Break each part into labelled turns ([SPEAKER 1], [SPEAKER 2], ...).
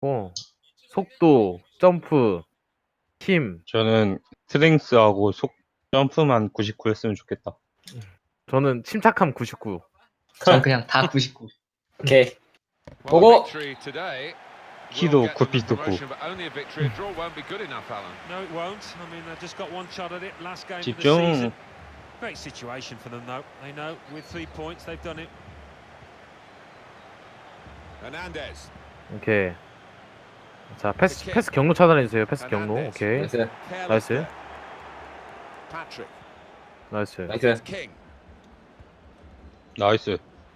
[SPEAKER 1] 속도, 점프, 힘.
[SPEAKER 2] 저는 스트렝스하고 점프만 99 했으면 좋겠다.
[SPEAKER 1] 저는 침착함 99.
[SPEAKER 3] 전 그냥 다 99.
[SPEAKER 4] 오케이.
[SPEAKER 5] 보고.
[SPEAKER 2] 키도 9피트 9. 집중.
[SPEAKER 6] Great situation for them though. They know with 3 points they've done it.
[SPEAKER 5] Hernandez.
[SPEAKER 1] 오케이. 자, 패스 경로 차단해주세요. 패스 경로. 오케이.
[SPEAKER 4] 나이스.
[SPEAKER 1] 나이스.
[SPEAKER 5] Patrick.
[SPEAKER 1] 나이스.
[SPEAKER 4] 나이스.
[SPEAKER 5] King.
[SPEAKER 2] 나이스.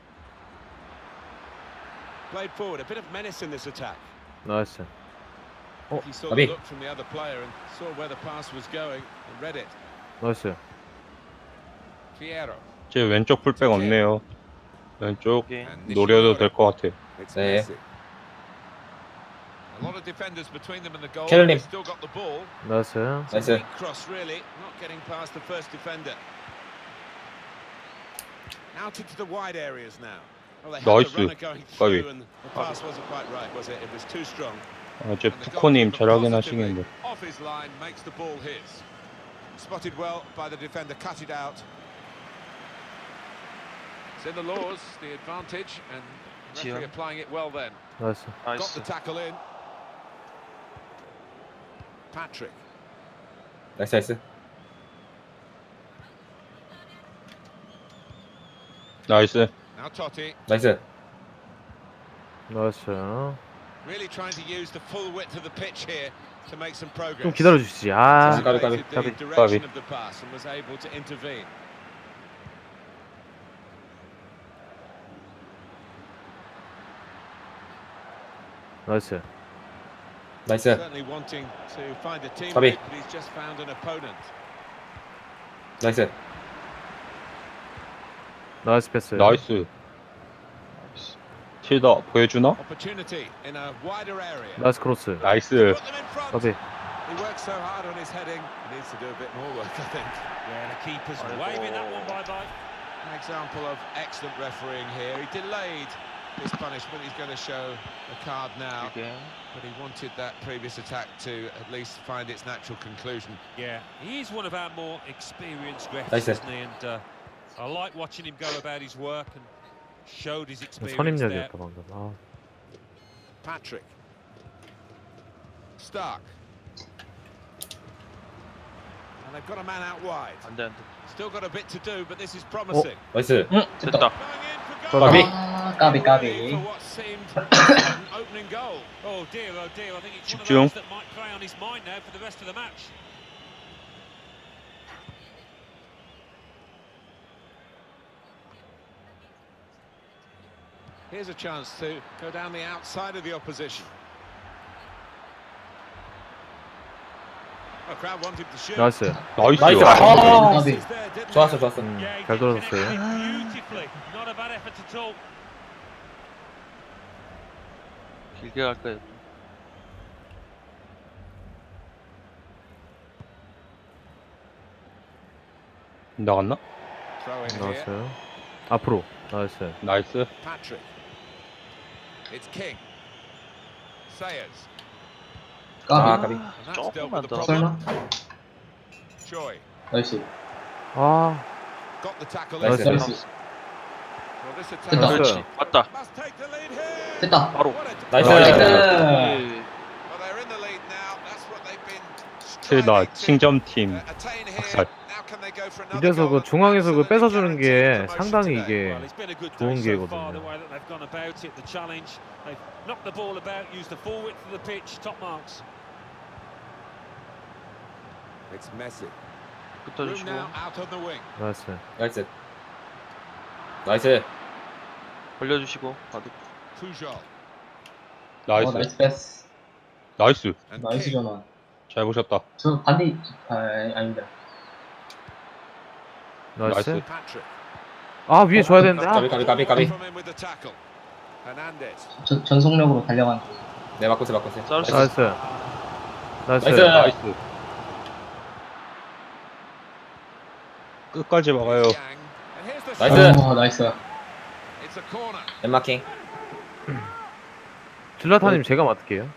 [SPEAKER 5] Played forward. A bit of menace in this attack.
[SPEAKER 1] 나이스.
[SPEAKER 5] He saw
[SPEAKER 4] Abi.
[SPEAKER 5] the look from the other player and saw where the pass was going and read it.
[SPEAKER 1] 나이스.
[SPEAKER 5] Fierro.
[SPEAKER 2] 제 왼쪽 풀백 없네요. 왼쪽
[SPEAKER 5] And
[SPEAKER 2] 노려도 될 것 같아.
[SPEAKER 5] It's
[SPEAKER 4] 네.
[SPEAKER 5] Messi. A lot of defenders between them and the goal.
[SPEAKER 4] 켈님.
[SPEAKER 5] They've still got the ball.
[SPEAKER 1] 나이스.
[SPEAKER 5] It's a
[SPEAKER 4] 나이스.
[SPEAKER 5] weak cross really, not getting past the first defender. Out into the wide areas now. Well, they had
[SPEAKER 2] Nice.
[SPEAKER 5] the runner going
[SPEAKER 2] Gabi.
[SPEAKER 5] through and the pass wasn't quite right, was it? It was too strong.
[SPEAKER 2] 제
[SPEAKER 5] And the
[SPEAKER 2] 푸코님
[SPEAKER 5] goalkeeper
[SPEAKER 2] 잘
[SPEAKER 5] positively
[SPEAKER 2] 확인하시겠는데.
[SPEAKER 5] off his line makes the ball his. Spotted well by the defender, cut it out. It's in the laws, the advantage, and the referee applying it well then.
[SPEAKER 1] 나이스.
[SPEAKER 5] Got the tackle in. Patrick.
[SPEAKER 4] 나이스 나이스.
[SPEAKER 2] 나이스.
[SPEAKER 5] Now Totti.
[SPEAKER 4] 나이스.
[SPEAKER 1] 나이스.
[SPEAKER 5] Really trying to use the full width of the pitch here to make some progress.
[SPEAKER 1] 좀 기다려주시지. 아.
[SPEAKER 5] Anticipated the
[SPEAKER 1] 까비.
[SPEAKER 5] direction of the pass and was able to intervene.
[SPEAKER 1] 나이스.
[SPEAKER 4] 나이스.
[SPEAKER 5] Certainly wanting to find a teammate,
[SPEAKER 4] Gabi.
[SPEAKER 5] but he's just found an opponent.
[SPEAKER 4] 나이스.
[SPEAKER 1] 나이스 패스.
[SPEAKER 2] 나이스. 틸더 보여주나?
[SPEAKER 5] Opportunity in a wider area.
[SPEAKER 1] 나이스 크로스.
[SPEAKER 2] 나이스.
[SPEAKER 5] Put them in front.
[SPEAKER 1] 까비.
[SPEAKER 5] He works so hard on his heading. He needs to do a bit more work, I think.
[SPEAKER 6] Yeah, the keeper's waving that one bye-bye.
[SPEAKER 5] An example of excellent refereeing here. He delayed his punishment. He's going to show a card now. But he wanted that previous attack to at least find its natural conclusion.
[SPEAKER 6] Yeah, he's one of our more experienced refs,
[SPEAKER 4] Nice.
[SPEAKER 6] isn't he? And I like watching him go about his work and showed his experience there.
[SPEAKER 1] 선임력이었다 방금. 아.
[SPEAKER 5] Patrick. Stark. And they've got a man out wide. Still got a bit to do, but this is promising.
[SPEAKER 4] 나이스.
[SPEAKER 3] 됐다.
[SPEAKER 5] Going in for goal.
[SPEAKER 4] 까비.
[SPEAKER 3] 아, 까비 까비.
[SPEAKER 5] For what seemed an opening goal.
[SPEAKER 6] Oh dear, oh dear. I think it's
[SPEAKER 2] 집중.
[SPEAKER 6] one of those that might play on his mind now for the rest of the match.
[SPEAKER 5] Here's a chance to go down the outside of the opposition. A crowd wanted to shoot.
[SPEAKER 1] 나이스.
[SPEAKER 2] 나이스.
[SPEAKER 4] 나이스.
[SPEAKER 2] 아,
[SPEAKER 4] 아.
[SPEAKER 3] 까비.
[SPEAKER 5] Passes there, didn't
[SPEAKER 4] 좋았어
[SPEAKER 5] they?
[SPEAKER 4] 좋았어.
[SPEAKER 6] Yeah, he
[SPEAKER 1] 잘
[SPEAKER 6] did
[SPEAKER 1] 돌아섰어요.
[SPEAKER 6] connect it beautifully. Not a bad effort at all.
[SPEAKER 7] 길게 갈까요?
[SPEAKER 2] 나갔나?
[SPEAKER 5] Throw in here.
[SPEAKER 1] 나이스. 앞으로. 나이스.
[SPEAKER 2] 나이스.
[SPEAKER 5] Patrick. It's King. Sayers.
[SPEAKER 4] 아
[SPEAKER 3] 까비.
[SPEAKER 4] 까비.
[SPEAKER 5] And that's dealt
[SPEAKER 7] 조금만
[SPEAKER 5] with the
[SPEAKER 7] 더.
[SPEAKER 5] problem.
[SPEAKER 3] 설마?
[SPEAKER 5] Choi.
[SPEAKER 3] 나이스.
[SPEAKER 1] 아.
[SPEAKER 5] Got the tackle
[SPEAKER 1] 나이스.
[SPEAKER 5] in.
[SPEAKER 3] 나이스.
[SPEAKER 5] Well, this attack
[SPEAKER 3] 됐다.
[SPEAKER 7] 그렇지. 맞다.
[SPEAKER 5] must take the lead here.
[SPEAKER 3] 됐다.
[SPEAKER 7] 바로.
[SPEAKER 5] What a-
[SPEAKER 4] 나이스.
[SPEAKER 3] 나이스.
[SPEAKER 5] Well, they're in the lead now. That's what they've been
[SPEAKER 2] 틸더
[SPEAKER 5] striving to
[SPEAKER 2] 칭점팀
[SPEAKER 5] attain here.
[SPEAKER 2] 박살.
[SPEAKER 5] Now can they go for another
[SPEAKER 1] 이래서
[SPEAKER 5] goal
[SPEAKER 1] 그 중앙에서 그
[SPEAKER 5] and
[SPEAKER 1] 뺏어주는
[SPEAKER 5] guarantee
[SPEAKER 1] 게
[SPEAKER 5] promotion
[SPEAKER 1] 상당히
[SPEAKER 5] today?
[SPEAKER 1] 이게
[SPEAKER 6] Well, it's been a good
[SPEAKER 1] 좋은
[SPEAKER 6] day so far, the
[SPEAKER 1] 기회거든요.
[SPEAKER 6] way that they've gone about it, the challenge. They've knocked the ball about, used the full width of the pitch, top marks.
[SPEAKER 5] It's Messi. Room
[SPEAKER 7] 붙어주시고.
[SPEAKER 5] now out on the wing.
[SPEAKER 1] 나이스.
[SPEAKER 4] 나이스. 나이스.
[SPEAKER 7] 벌려주시고. 바둑.
[SPEAKER 5] Pujol
[SPEAKER 2] 나이스.
[SPEAKER 3] 나이스 패스.
[SPEAKER 2] 나이스.
[SPEAKER 5] and
[SPEAKER 3] 나이스
[SPEAKER 5] King.
[SPEAKER 3] 전환.
[SPEAKER 2] 잘 보셨다.
[SPEAKER 3] 저 반대 아닙니다.
[SPEAKER 1] 나이스.
[SPEAKER 2] 나이스.
[SPEAKER 5] Patrick.
[SPEAKER 1] 아, 위에 줘야 되는데. 아.
[SPEAKER 4] 까비 까비 까비 까비.
[SPEAKER 5] From him with the tackle. Hernandez.
[SPEAKER 3] 전속력으로 달려간.
[SPEAKER 4] 네 바꾸세 바꾸세.
[SPEAKER 7] 쌀 수-
[SPEAKER 1] 나이스. 나이스.
[SPEAKER 4] 나이스.
[SPEAKER 2] 나이스. 끝까지 막아요.
[SPEAKER 5] Yang. And here's the
[SPEAKER 4] 나이스.
[SPEAKER 5] shot.
[SPEAKER 3] 나이스.
[SPEAKER 5] It's a corner.
[SPEAKER 4] 엠마킹.
[SPEAKER 1] 질라타님 제가 맡을게요.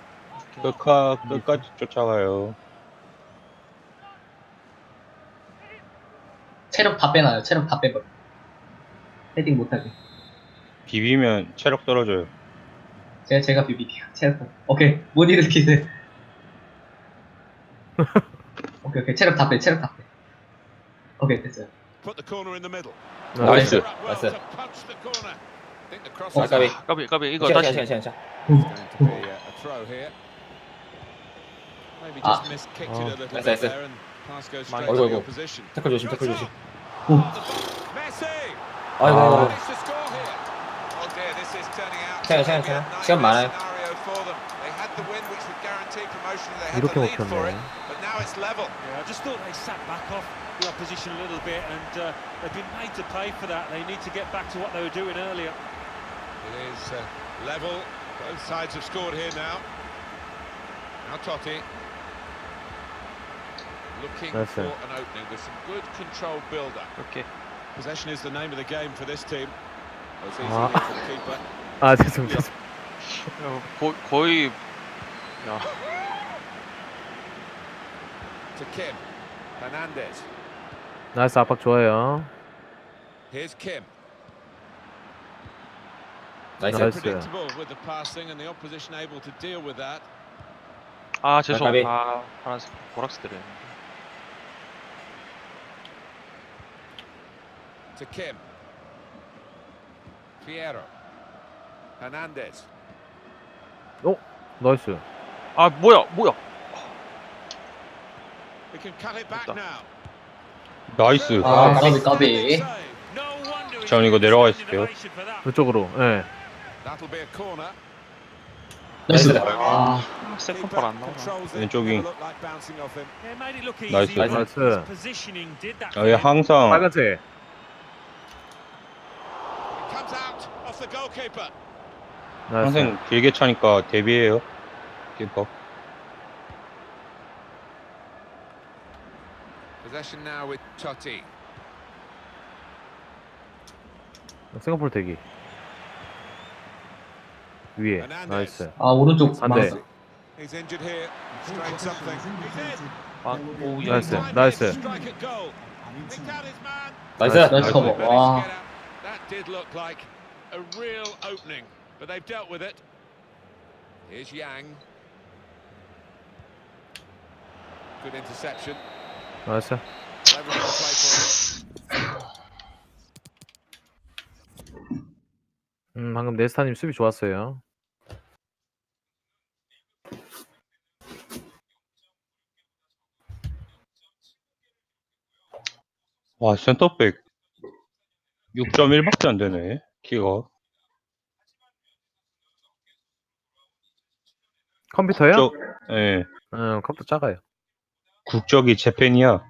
[SPEAKER 2] 끝까지 쫓아가요.
[SPEAKER 3] 체력 다 빼놔요. 체력 다 빼버려. 헤딩 못하게.
[SPEAKER 2] 비비면 체력 떨어져요.
[SPEAKER 3] 제가 비비게요. 체력 다. 오케이. 못 일으키세요. 오케이. 체력 다 빼. 체력 다 빼. 오케이, 됐어요.
[SPEAKER 5] Put the corner in the middle.
[SPEAKER 2] 나이스.
[SPEAKER 5] Up well
[SPEAKER 4] 나이스.
[SPEAKER 5] to punch the corner. I think the cross
[SPEAKER 3] 어,
[SPEAKER 5] is
[SPEAKER 4] 까비.
[SPEAKER 5] out.
[SPEAKER 7] 까비 이거
[SPEAKER 4] 시간
[SPEAKER 7] 다시
[SPEAKER 4] 시간 시간 시간.
[SPEAKER 5] It's going to be a throw here. Maybe just miskicked it a little
[SPEAKER 4] Nice,
[SPEAKER 5] bit
[SPEAKER 4] nice.
[SPEAKER 5] there and pass goes straight
[SPEAKER 4] 어이구,
[SPEAKER 5] to the
[SPEAKER 4] 어이구.
[SPEAKER 5] opposition.
[SPEAKER 4] 태클 조심 태클 조심.
[SPEAKER 5] Messi!
[SPEAKER 4] 아이고.
[SPEAKER 5] Managed to score here. Oh dear, this is turning out to
[SPEAKER 4] 괜찮아,
[SPEAKER 5] be a
[SPEAKER 4] 괜찮아. 시간 많아요.
[SPEAKER 5] nightmare scenario for them. They had the win which would guarantee promotion. They had
[SPEAKER 1] 이렇게
[SPEAKER 5] the lead for it,
[SPEAKER 1] 먹혔네.
[SPEAKER 5] but now it's level.
[SPEAKER 6] Yeah, I just thought they sat back off the opposition a little bit, and they've been made to pay for that. They need to get back to what they were doing earlier.
[SPEAKER 5] It is level. Both sides have scored here now. Now Totti. Looking
[SPEAKER 1] That's
[SPEAKER 5] for
[SPEAKER 1] it.
[SPEAKER 5] an opening with some good controlled build-up.
[SPEAKER 7] 이렇게
[SPEAKER 5] Possession is the name of the game for this team. Oh, it's easy
[SPEAKER 1] Ah.
[SPEAKER 5] here for the keeper.
[SPEAKER 1] 아 죄송합니다.
[SPEAKER 7] 거의 야
[SPEAKER 5] To Kim. Hernandez.
[SPEAKER 1] 나이스 압박 좋아요.
[SPEAKER 5] Here's Kim.
[SPEAKER 4] 나이스.
[SPEAKER 1] 나이스.
[SPEAKER 5] Predictable with the passing and the opposition able to deal with that.
[SPEAKER 7] 아 죄송
[SPEAKER 4] 까비.
[SPEAKER 7] 아 파란색 보락스들이
[SPEAKER 5] To Kim. Fierro. Hernandez.
[SPEAKER 1] 나이스.
[SPEAKER 7] 아 뭐야
[SPEAKER 5] We can cut it back
[SPEAKER 7] 됐다.
[SPEAKER 5] now.
[SPEAKER 2] 나이스.
[SPEAKER 3] 아,
[SPEAKER 4] 까비.
[SPEAKER 3] 까비.
[SPEAKER 6] No wonder he's
[SPEAKER 2] 전 이거
[SPEAKER 6] getting
[SPEAKER 2] 내려가
[SPEAKER 6] standing
[SPEAKER 2] 있을게요.
[SPEAKER 6] ovation for that.
[SPEAKER 1] 그쪽으로. 예.
[SPEAKER 5] That'll be a corner.
[SPEAKER 3] 나이스.
[SPEAKER 4] 나이스.
[SPEAKER 3] 아,
[SPEAKER 7] 세컨팔 안 나오나
[SPEAKER 5] controls it.
[SPEAKER 2] 왼쪽이.
[SPEAKER 5] Never looked like bouncing off him.
[SPEAKER 6] Yeah, made it look easy.
[SPEAKER 2] 나이스.
[SPEAKER 6] but
[SPEAKER 1] 나이스.
[SPEAKER 6] his positioning did that.
[SPEAKER 2] 아, 얘 항상
[SPEAKER 1] 빨간색.
[SPEAKER 5] It comes out off the goalkeeper.
[SPEAKER 1] 나이스.
[SPEAKER 2] 항상 길게 차니까 대비해요. 키퍼.
[SPEAKER 5] Possession now with Totti.
[SPEAKER 1] 싱가포르 대기. 위에.
[SPEAKER 5] Hernandez.
[SPEAKER 1] 나이스.
[SPEAKER 3] 아, 오른쪽
[SPEAKER 1] 안 돼.
[SPEAKER 3] 망했어.
[SPEAKER 5] He's injured here. Strained something. He's in.
[SPEAKER 7] 아오
[SPEAKER 1] 나이스.
[SPEAKER 5] Finally
[SPEAKER 1] 나이스.
[SPEAKER 5] to strike at goal. Picked out his man.
[SPEAKER 4] 나이스.
[SPEAKER 3] 나이스 커버.
[SPEAKER 5] Managed to
[SPEAKER 3] 와.
[SPEAKER 5] get out. That did look like a real opening, but they've dealt with it. Here's Yang. Good interception.
[SPEAKER 1] 나이스.
[SPEAKER 5] Everyone will play for it.
[SPEAKER 1] 방금 네스타님 수비 좋았어요.
[SPEAKER 2] 와, 센터백 6.1밖에 안 되네. 키가.
[SPEAKER 1] 컴퓨터요?
[SPEAKER 2] 예.
[SPEAKER 1] 컴퓨터 작아요.
[SPEAKER 2] 국적이 재팬이야.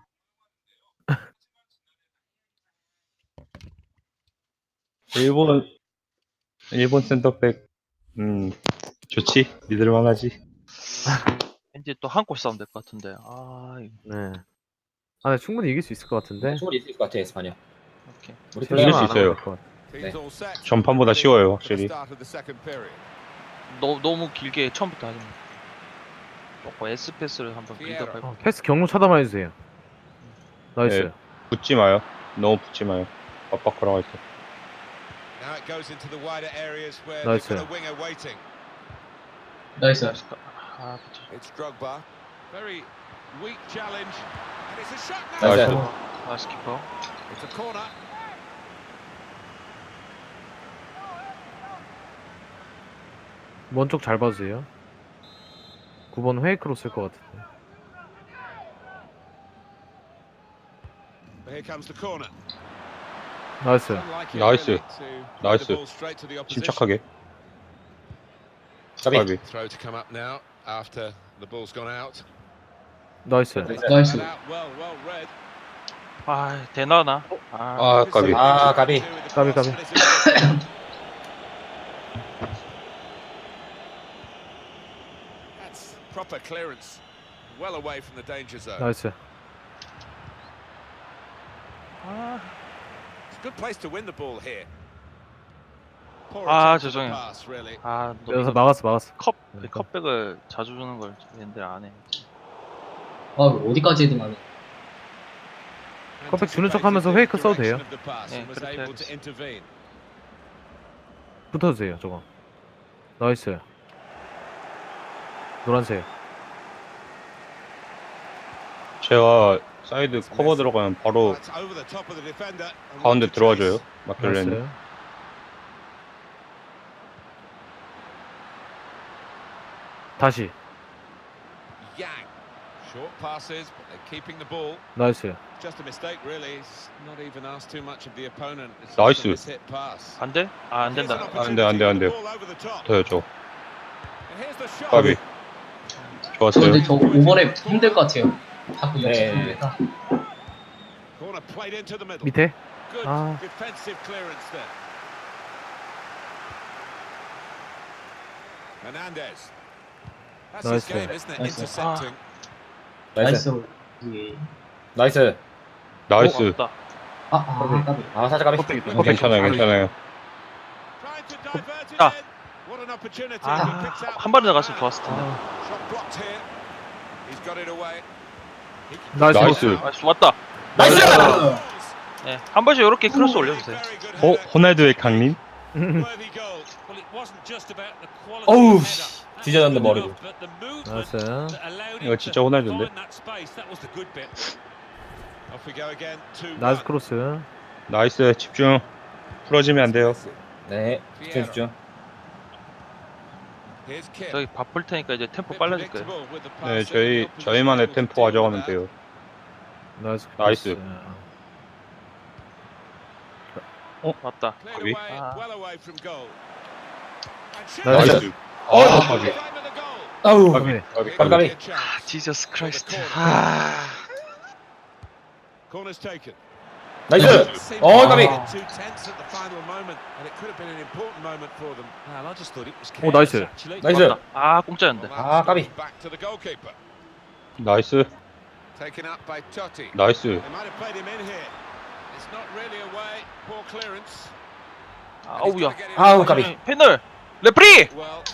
[SPEAKER 2] 일본 센터백 좋지. 믿을만 하지.
[SPEAKER 7] 왠지 또 한 골 싸움 될 것 같은데 아 이거
[SPEAKER 1] 네. 아, 네, 충분히 이길 수 있을 것 같은데.
[SPEAKER 4] 충분히 있을 것 같아 에스파냐.
[SPEAKER 7] 오케게
[SPEAKER 4] 우리
[SPEAKER 2] 이길
[SPEAKER 4] 플레이
[SPEAKER 2] 수
[SPEAKER 1] 안 하면
[SPEAKER 2] 있어요.
[SPEAKER 1] 될것 같아.
[SPEAKER 5] Teams all set.
[SPEAKER 2] 전판보다 쉬워요,
[SPEAKER 5] For the
[SPEAKER 2] 확실히.
[SPEAKER 5] start of the second period.
[SPEAKER 7] 너무 길게 처음부터 하지 마 조금 S 패스를 한번
[SPEAKER 5] 피에로.
[SPEAKER 7] 빌드업
[SPEAKER 1] 패스 경로 차단만 해주세요. 나이스.
[SPEAKER 2] 네. 붙지 마요. 너무 붙지 마요. 압박 걸어가 있어.
[SPEAKER 5] Now it goes into the wider areas where
[SPEAKER 1] Nice,
[SPEAKER 5] they've got a winger waiting.
[SPEAKER 3] 나이스.
[SPEAKER 7] 아 그쵸
[SPEAKER 5] It's Drogba. Very weak challenge. And it's a shot
[SPEAKER 4] 나이스.
[SPEAKER 5] now.
[SPEAKER 2] 나이스.
[SPEAKER 7] 아 스키퍼
[SPEAKER 5] It's a corner.
[SPEAKER 1] 먼 쪽 잘 봐주세요. 9번 헤이크로 쓸 것 같은데.
[SPEAKER 5] But here comes the corner.
[SPEAKER 1] 나이스.
[SPEAKER 5] Unlike it
[SPEAKER 2] Nice.
[SPEAKER 5] really to give
[SPEAKER 2] Nice.
[SPEAKER 5] the ball straight to the opposition.
[SPEAKER 2] 침착하게.
[SPEAKER 4] 까비.
[SPEAKER 2] 까비.
[SPEAKER 5] Throw to come up now after the ball's gone out.
[SPEAKER 1] 나이스.
[SPEAKER 3] 나이스.
[SPEAKER 5] Out well read.
[SPEAKER 7] 아 되나나
[SPEAKER 2] 아, 까비.
[SPEAKER 4] 아, 까비.
[SPEAKER 1] 까비, 까비.
[SPEAKER 5] That's proper clearance. Well away from the danger zone.
[SPEAKER 1] 나이스.
[SPEAKER 5] It's a good place to win the ball here. Poor
[SPEAKER 7] 아,
[SPEAKER 5] attempt at the
[SPEAKER 7] 죄송해요.
[SPEAKER 5] pass, really.
[SPEAKER 7] 아,
[SPEAKER 1] 그래서 막았어.
[SPEAKER 7] 컵 컵백을 자주 주는 걸 얘네들 안 해.
[SPEAKER 3] 어디까지 해도 나는.
[SPEAKER 1] 컵백 주는 척하면서 페이크 써도 돼요.
[SPEAKER 7] 네, 그렇게 해야겠어.
[SPEAKER 1] 붙어주세요, 저거. 나이스. 노란색.
[SPEAKER 2] 제가 사이드 커버 들어가면 바로 가운데 들어와줘요. 마켈레는.
[SPEAKER 1] 나이스. 다시.
[SPEAKER 5] Yang. Short passes, but they're keeping the ball.
[SPEAKER 1] 나이스.
[SPEAKER 5] Just a mistake, really. It's not even asked too much of the opponent. It's
[SPEAKER 2] Nice.
[SPEAKER 5] just a mishit pass.
[SPEAKER 7] 안 돼? 아, 안
[SPEAKER 5] Here's
[SPEAKER 7] 된다.
[SPEAKER 5] an
[SPEAKER 2] 안 돼, 안 돼, 안 돼.
[SPEAKER 5] opportunity, ball over the top.
[SPEAKER 2] 더요, 저.
[SPEAKER 5] And here's the shot.
[SPEAKER 2] 까비. 좋았어요.
[SPEAKER 3] 근데 저 5번에 힘들 것 같아요. 자꾸
[SPEAKER 4] 네.
[SPEAKER 3] 역습입니다.
[SPEAKER 5] Corner played into the middle.
[SPEAKER 1] 밑에.
[SPEAKER 5] Good
[SPEAKER 1] 아.
[SPEAKER 5] defensive clearance there. Hernandez. That's his
[SPEAKER 1] Nice
[SPEAKER 5] game,
[SPEAKER 1] one.
[SPEAKER 5] isn't it?
[SPEAKER 3] Nice one.
[SPEAKER 5] Intercepting.
[SPEAKER 4] 나이스.
[SPEAKER 3] 나이스.
[SPEAKER 4] 나이스.
[SPEAKER 2] 나이스.
[SPEAKER 7] 없다.
[SPEAKER 3] 까비.
[SPEAKER 4] 아, 살짝 까비.
[SPEAKER 2] 괜찮아요, 괜찮아요.
[SPEAKER 5] Trying to divert it
[SPEAKER 7] 아.
[SPEAKER 5] in. What an opportunity.
[SPEAKER 7] 아,
[SPEAKER 5] He picks out
[SPEAKER 7] 한 발에
[SPEAKER 5] the
[SPEAKER 7] 나갔으면
[SPEAKER 5] man.
[SPEAKER 7] 좋았을 텐데.
[SPEAKER 5] Shot blocked here. He's got it away. He can
[SPEAKER 1] 나이스.
[SPEAKER 2] 나이스.
[SPEAKER 5] now.
[SPEAKER 7] 아, 좋았다.
[SPEAKER 4] 나이스!
[SPEAKER 7] 네, 한 번씩 이렇게 크로스 올려주세요.
[SPEAKER 5] Very good header.
[SPEAKER 2] 호날두의 강림?
[SPEAKER 5] Worthy goal.
[SPEAKER 6] Well, it wasn't just about the quality
[SPEAKER 4] 어우,
[SPEAKER 6] of
[SPEAKER 4] 씨.
[SPEAKER 6] header.
[SPEAKER 4] 뒤져졌네,
[SPEAKER 6] That's
[SPEAKER 4] 머리로.
[SPEAKER 6] good enough, but the movement
[SPEAKER 1] 나이스.
[SPEAKER 6] that allowed him
[SPEAKER 2] 이거 진짜
[SPEAKER 6] to
[SPEAKER 2] 호날두인데?
[SPEAKER 6] find that space, that was the good bit.
[SPEAKER 5] Off we go again. 2-1.
[SPEAKER 1] 나이스 크로스.
[SPEAKER 2] 나이스, 집중. 풀어지면 안 돼요.
[SPEAKER 4] 네, 집중, 집중.
[SPEAKER 5] Here's Kim.
[SPEAKER 7] 저기 바쁠 테니까 이제 템포
[SPEAKER 5] Bit
[SPEAKER 7] 빨라질 거예요.
[SPEAKER 5] predictable with the
[SPEAKER 2] 네,
[SPEAKER 5] passing.
[SPEAKER 2] 저희만의 템포 가져가면 돼요.
[SPEAKER 1] 나이스.
[SPEAKER 2] 나이스.
[SPEAKER 7] 맞다.
[SPEAKER 5] Cleared
[SPEAKER 2] 거기.
[SPEAKER 5] away,
[SPEAKER 7] 아.
[SPEAKER 5] well away from goal. And shoots.
[SPEAKER 1] 나이스.
[SPEAKER 2] 나이스. 아, 까비.
[SPEAKER 5] Frame of the goal.
[SPEAKER 4] 아우,
[SPEAKER 1] 까비.
[SPEAKER 5] Here
[SPEAKER 2] 까비,
[SPEAKER 5] could
[SPEAKER 4] 까비.
[SPEAKER 5] be a chance.
[SPEAKER 7] 지저스 크라이스트.
[SPEAKER 5] corner.
[SPEAKER 7] 아.
[SPEAKER 5] Corner's taken.
[SPEAKER 4] 나이스!
[SPEAKER 5] Seemed
[SPEAKER 4] 어,
[SPEAKER 5] to
[SPEAKER 4] 까비.
[SPEAKER 5] get too tense at the final moment, and it could have been an important moment for them.
[SPEAKER 6] Well, I just thought it was
[SPEAKER 1] 오, 나이스.
[SPEAKER 6] careless, actually.
[SPEAKER 4] 나이스!
[SPEAKER 7] 맞다. 아, 공짜였는데.
[SPEAKER 5] Well,
[SPEAKER 4] Ah,
[SPEAKER 5] that's
[SPEAKER 4] 까비.
[SPEAKER 5] back to the goalkeeper.
[SPEAKER 2] 나이스.
[SPEAKER 5] Taken up by Totti.
[SPEAKER 2] 나이스.
[SPEAKER 5] They might have played him in here. It's not really away. Poor clearance.
[SPEAKER 7] 아우야.
[SPEAKER 4] 아우, 까비.
[SPEAKER 7] 패널. 레프리.
[SPEAKER 5] Well,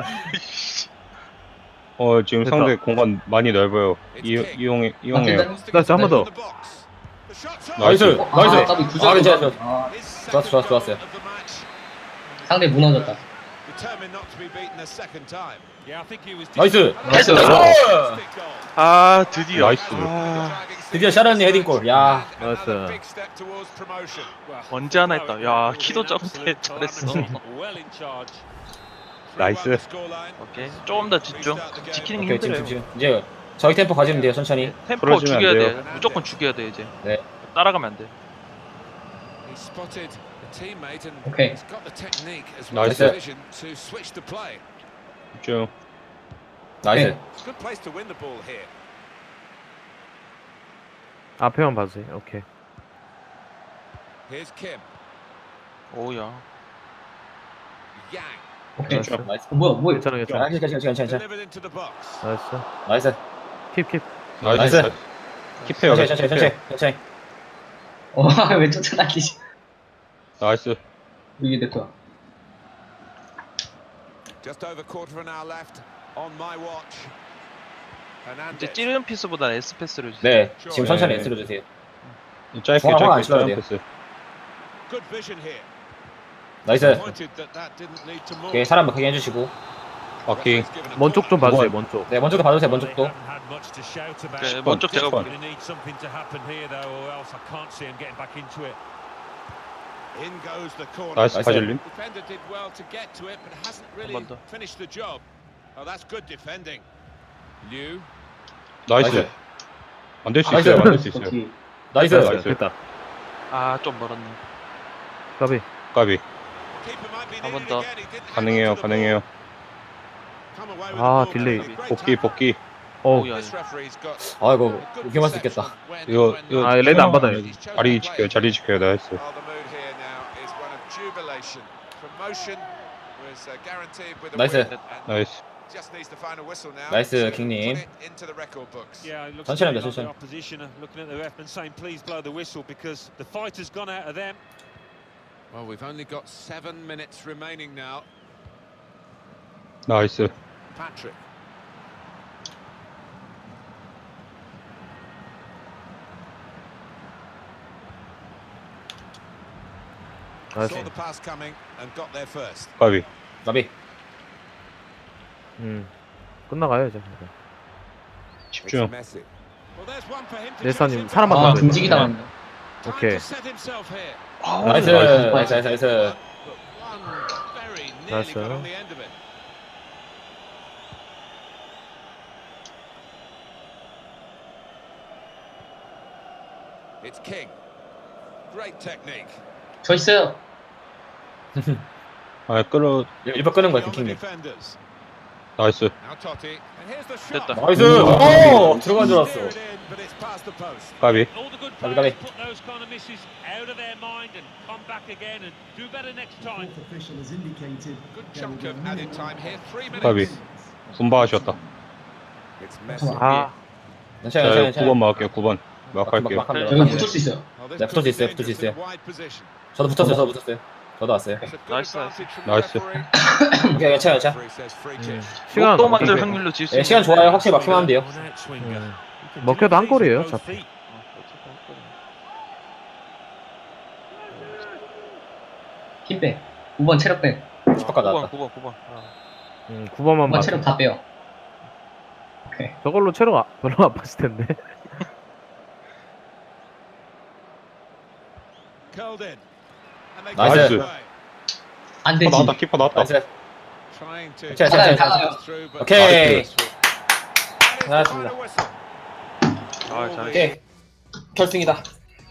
[SPEAKER 2] 지금
[SPEAKER 1] 됐다.
[SPEAKER 2] 상대 공간 많이 넓어요. 이용해요.
[SPEAKER 1] 나이스, 한번 더.
[SPEAKER 2] 나이스.
[SPEAKER 4] 나이스!
[SPEAKER 3] 까비
[SPEAKER 4] 아, 괜찮아,
[SPEAKER 3] 구절.
[SPEAKER 4] 좋았어요.
[SPEAKER 3] 상대 무너졌다.
[SPEAKER 5] Determined not to be beaten a second time.
[SPEAKER 6] Yeah, I think he was
[SPEAKER 4] 나이스!
[SPEAKER 1] 나이스.
[SPEAKER 5] Fantastic goal.
[SPEAKER 7] 아, 드디어.
[SPEAKER 2] 나이스.
[SPEAKER 7] 아,
[SPEAKER 4] 드디어 샤르니 헤딩골. 야.
[SPEAKER 5] Another
[SPEAKER 1] 나이스.
[SPEAKER 5] big step towards promotion.
[SPEAKER 6] well,
[SPEAKER 7] 언제 하나 했다.
[SPEAKER 6] no,
[SPEAKER 7] 야,
[SPEAKER 6] it was
[SPEAKER 7] 키도
[SPEAKER 6] an
[SPEAKER 7] 점대
[SPEAKER 6] absolute
[SPEAKER 7] 잘했어.
[SPEAKER 6] calamity. Well in charge.
[SPEAKER 5] 3-1
[SPEAKER 2] 나이스.
[SPEAKER 5] the scoreline.
[SPEAKER 7] 오케이. 조금 더 집중. 지키는 게
[SPEAKER 4] 오케이, 지금,
[SPEAKER 7] 힘들어요.
[SPEAKER 4] 지금. 이제 저희 템포 가지면 돼요, 천천히.
[SPEAKER 7] 템포
[SPEAKER 2] 풀어주면 안
[SPEAKER 7] 죽여야
[SPEAKER 2] 돼요.
[SPEAKER 7] 돼. 무조건 죽여야 돼 이제.
[SPEAKER 4] 네.
[SPEAKER 7] 따라가면 안 돼.
[SPEAKER 5] He spotted a teammate and
[SPEAKER 3] Okay.
[SPEAKER 5] he's got the technique as well as
[SPEAKER 2] 나이스.
[SPEAKER 5] the vision to switch the play.
[SPEAKER 2] 집중.
[SPEAKER 4] 나이스.
[SPEAKER 5] It's a good place to win the ball here.
[SPEAKER 1] 앞에만 봐주세요. 오케이.
[SPEAKER 5] Here's Kim.
[SPEAKER 7] 오우야.
[SPEAKER 5] Yang.
[SPEAKER 3] 오케이.
[SPEAKER 1] 나이스.
[SPEAKER 4] 나이스.
[SPEAKER 3] 뭐야.
[SPEAKER 1] 괜찮아, 괜찮아.
[SPEAKER 4] 아, 괜찮아.
[SPEAKER 5] Delivered into the box.
[SPEAKER 1] 나이스.
[SPEAKER 4] 나이스.
[SPEAKER 1] 킵.
[SPEAKER 2] 나이스. 킵해요.
[SPEAKER 4] 천천히.
[SPEAKER 3] 왜 쫓아다니지?
[SPEAKER 2] 나이스.
[SPEAKER 3] 이게 내 거야.
[SPEAKER 5] Just over quarter of an hour left on my watch.
[SPEAKER 7] 이제
[SPEAKER 5] Hernandez.
[SPEAKER 7] 찌르는 피스보다 S 패스를 주세요.
[SPEAKER 4] 네, 지금 천천히
[SPEAKER 2] 네.
[SPEAKER 4] S로 주세요.
[SPEAKER 2] 짧게
[SPEAKER 4] 중앙 안
[SPEAKER 2] 짧게
[SPEAKER 4] 찔러야 돼요.
[SPEAKER 2] 패스.
[SPEAKER 5] Good vision here.
[SPEAKER 4] 나이스.
[SPEAKER 5] Pointed that didn't lead to more.
[SPEAKER 4] 오케이, 사람 크게 해주시고.
[SPEAKER 2] 바퀴.
[SPEAKER 5] Referee's given a
[SPEAKER 1] 먼 쪽 좀
[SPEAKER 5] corner.
[SPEAKER 1] 봐주세요. 먼 쪽.
[SPEAKER 4] 네, 먼저도 봐주세요,
[SPEAKER 6] Well,
[SPEAKER 4] 먼저도.
[SPEAKER 6] they haven't had much to shout about.
[SPEAKER 7] 네, 먼쪽 제가
[SPEAKER 2] 번.
[SPEAKER 7] 볼게요.
[SPEAKER 6] Going to need something to happen here, though, or else I can't see him getting back into it.
[SPEAKER 5] In goes the corner.
[SPEAKER 2] 나이스
[SPEAKER 4] 나이스.
[SPEAKER 2] 바질림.
[SPEAKER 5] Defender did well to get to it, but hasn't really
[SPEAKER 7] 번 더.
[SPEAKER 5] finished the job. Oh, that's good defending. Liu.
[SPEAKER 2] 나이스. 만들 수
[SPEAKER 4] 나이스.
[SPEAKER 2] 있어요. 만들 수 있어요.
[SPEAKER 3] 오케이.
[SPEAKER 4] 나이스.
[SPEAKER 2] 나이스.
[SPEAKER 1] 됐다.
[SPEAKER 7] 아, 좀 멀었네.
[SPEAKER 1] 까비.
[SPEAKER 2] 까비.
[SPEAKER 5] Keeper might be
[SPEAKER 7] 한번
[SPEAKER 5] needed
[SPEAKER 7] 더.
[SPEAKER 5] again. He didn't hang
[SPEAKER 2] 가능해요.
[SPEAKER 5] on to the
[SPEAKER 2] 가능해요.
[SPEAKER 5] ball. Come away with
[SPEAKER 1] 아,
[SPEAKER 5] the ball,
[SPEAKER 1] 딜레이.
[SPEAKER 5] but great
[SPEAKER 2] 복귀
[SPEAKER 5] tackle.
[SPEAKER 2] 복귀.
[SPEAKER 1] 어.
[SPEAKER 7] 오우야.
[SPEAKER 5] This referee's got
[SPEAKER 4] 아이고,
[SPEAKER 5] a good
[SPEAKER 4] 위험할 수
[SPEAKER 5] perception
[SPEAKER 4] 있겠다.
[SPEAKER 5] when-
[SPEAKER 2] 이거
[SPEAKER 5] when
[SPEAKER 2] 이거
[SPEAKER 1] 아, 레드 안 받아요.
[SPEAKER 5] he's chosen
[SPEAKER 2] 자리
[SPEAKER 5] to
[SPEAKER 2] 지켜요.
[SPEAKER 5] play.
[SPEAKER 2] 자리 지켜요. 나이스.
[SPEAKER 5] Oh, the mood here now is one of jubilation. Promotion was guaranteed with a
[SPEAKER 4] 나이스.
[SPEAKER 5] win, and
[SPEAKER 2] 나이스.
[SPEAKER 5] just needs the final whistle now
[SPEAKER 4] 나이스,
[SPEAKER 5] to
[SPEAKER 4] 킹님.
[SPEAKER 5] put it into the record books.
[SPEAKER 6] Yeah, it looks
[SPEAKER 4] 천천히
[SPEAKER 6] to me
[SPEAKER 4] 합니다,
[SPEAKER 6] like the
[SPEAKER 4] 천천히.
[SPEAKER 6] opposition are looking at the ref and saying, please blow the whistle, because the fight has gone out of them.
[SPEAKER 5] Well, we've only got 7 minutes remaining now.
[SPEAKER 2] 나이스.
[SPEAKER 5] Patrick.
[SPEAKER 1] 나이스.
[SPEAKER 5] Saw the pass coming and got there first.
[SPEAKER 2] 까비.
[SPEAKER 4] 나비.
[SPEAKER 1] 끝나가요 이제.
[SPEAKER 2] 집중.
[SPEAKER 5] It's Messi. Well, there's one for him to
[SPEAKER 1] 네사님
[SPEAKER 5] chase
[SPEAKER 1] 사람만
[SPEAKER 3] 아,
[SPEAKER 1] 더
[SPEAKER 3] 등지기 당했네.
[SPEAKER 5] Time
[SPEAKER 1] 오케이.
[SPEAKER 5] to set himself here.
[SPEAKER 4] 나이스. 나이스, 나이스.
[SPEAKER 5] But one very nearly
[SPEAKER 1] Nice,
[SPEAKER 5] got on the end of it. It's King. Great technique.
[SPEAKER 3] 저 있어요.
[SPEAKER 2] 아, 끌어.
[SPEAKER 4] 일번 끄는 거야,
[SPEAKER 5] On the
[SPEAKER 4] 킹님.
[SPEAKER 5] defenders.
[SPEAKER 2] 나이스.
[SPEAKER 5] Now Totti. And here's the shot.
[SPEAKER 7] 됐다.
[SPEAKER 4] 나이스. 오, 들어간 줄 알았어.
[SPEAKER 5] Steer it in, but it's past the post.
[SPEAKER 2] 까비.
[SPEAKER 6] All the good
[SPEAKER 4] Gabi,
[SPEAKER 6] players
[SPEAKER 4] Gabi.
[SPEAKER 6] put those kind of misses out of their mind and come back again and do better next time.
[SPEAKER 5] Good chunk of added time here. 3 minutes.
[SPEAKER 2] 까비. 손바하셨다.
[SPEAKER 5] It's Messi.
[SPEAKER 1] 아
[SPEAKER 4] 괜찮아,
[SPEAKER 2] 자,
[SPEAKER 4] 괜찮아.
[SPEAKER 2] 9번 막을게요. 9번. 막할게요.
[SPEAKER 4] 막 하면
[SPEAKER 3] 여기 붙을 수 있어요.
[SPEAKER 5] Well, this
[SPEAKER 4] 네, 붙을 수 있어요,
[SPEAKER 5] puts
[SPEAKER 4] 붙을 수
[SPEAKER 5] the
[SPEAKER 4] 있어요.
[SPEAKER 5] wide position.
[SPEAKER 4] 저도 붙었어요, 저도 붙었어요. 저도 왔어요.
[SPEAKER 5] It's a good
[SPEAKER 7] Nice,
[SPEAKER 5] advantage from the
[SPEAKER 2] nice.
[SPEAKER 5] referee.
[SPEAKER 4] 오케이, 괜찮아, 괜찮아.
[SPEAKER 5] Referee says free kick.
[SPEAKER 1] 시간
[SPEAKER 7] 또 만들
[SPEAKER 1] 어떻게-
[SPEAKER 7] 확률로 질 수
[SPEAKER 4] 예, 시간 좋아요. 확실히 막히면 하면 돼요.
[SPEAKER 1] 먹혀도 한 골이에요, 어차피.
[SPEAKER 3] 힘 빼. 5번 체력 빼.
[SPEAKER 4] 슈퍼까지
[SPEAKER 7] 9번
[SPEAKER 4] 나왔다.
[SPEAKER 7] 9번
[SPEAKER 1] 9번만
[SPEAKER 3] 5번
[SPEAKER 1] 맞.
[SPEAKER 3] 체력 다 빼요. 오케이.
[SPEAKER 1] 저걸로 체력 별로 안 빠질 텐데.
[SPEAKER 5] Curled in. And they
[SPEAKER 4] Nice.
[SPEAKER 5] get it away.
[SPEAKER 3] 안
[SPEAKER 2] 키퍼
[SPEAKER 3] 되지.
[SPEAKER 2] 나왔다. 키퍼 나왔다.
[SPEAKER 4] 나이스.
[SPEAKER 5] Trying to
[SPEAKER 4] 괜찮아,
[SPEAKER 3] 괜찮아,
[SPEAKER 4] 괜찮아.
[SPEAKER 3] 괜찮아.
[SPEAKER 5] through, but
[SPEAKER 4] 오케이.
[SPEAKER 5] There's the
[SPEAKER 4] 잘했습니다.
[SPEAKER 5] final whistle.
[SPEAKER 7] 아,
[SPEAKER 5] All
[SPEAKER 7] 잘했어.
[SPEAKER 4] 오케이. 결승이다.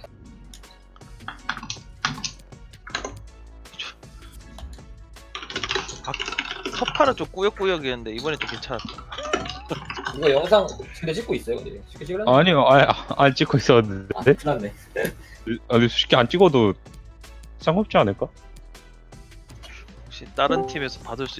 [SPEAKER 7] 서파는 좀 꾸역꾸역이었는데 이번에 좀 괜찮았다.
[SPEAKER 4] 이거 영상 쉽게 찍고 있어요, 근데. 쉽게 찍으려나?
[SPEAKER 2] 아니요. 안 찍고 있었는데.
[SPEAKER 4] 아, 큰일 났네.
[SPEAKER 2] 아니, 쉽게 안 찍어도 상관없지 않을까?
[SPEAKER 7] 혹시 다른 팀에서 받을 수